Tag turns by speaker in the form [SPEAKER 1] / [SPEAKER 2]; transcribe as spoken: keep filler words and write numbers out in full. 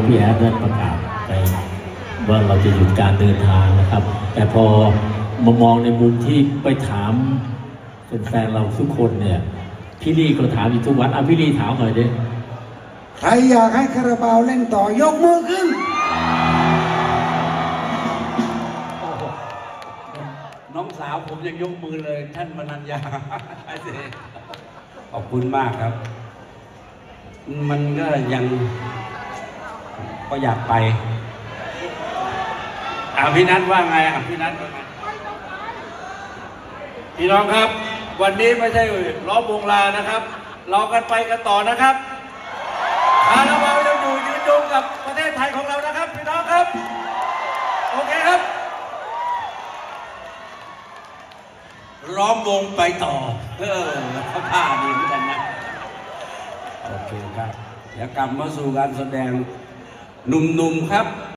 [SPEAKER 1] พี่แอดได้ประกาศไปว่าเราจะหยุดการเดินทางนะครับแต่พอมามองในมุมที่ไปถามแฟนเราทุกคนเนี่ยพี่ลี่ก็ถามอยู่ทุกวันอ่ะพี่ลี่ถามหน่อยดิ
[SPEAKER 2] ใครอยากให้คาราบาวเล่นต่อยกมือขึ้น
[SPEAKER 3] น้องสาวผมยังยกมือเลยท่านมนัญญาขอบคุณมากครับมันก็ยังก็อยากไปอ่ะพี่นัทว่าไงอ่ะพี่นัทว่าไงพี่น้องครับวันนี้ไม่ใช่ล้อมวงลานะครับเรากันไปกันต่อนะครับคาราบาวยังอยู่ยืนยงกับประเทศไทยของเรานะครับพี่น้องครับโอเคครับล้อมวงไปต่อเออเขาผ้าดีเหมือนกันนะโอเคครับเดี๋ยวกลับมาสู่การแสดงหนุ่มๆครับ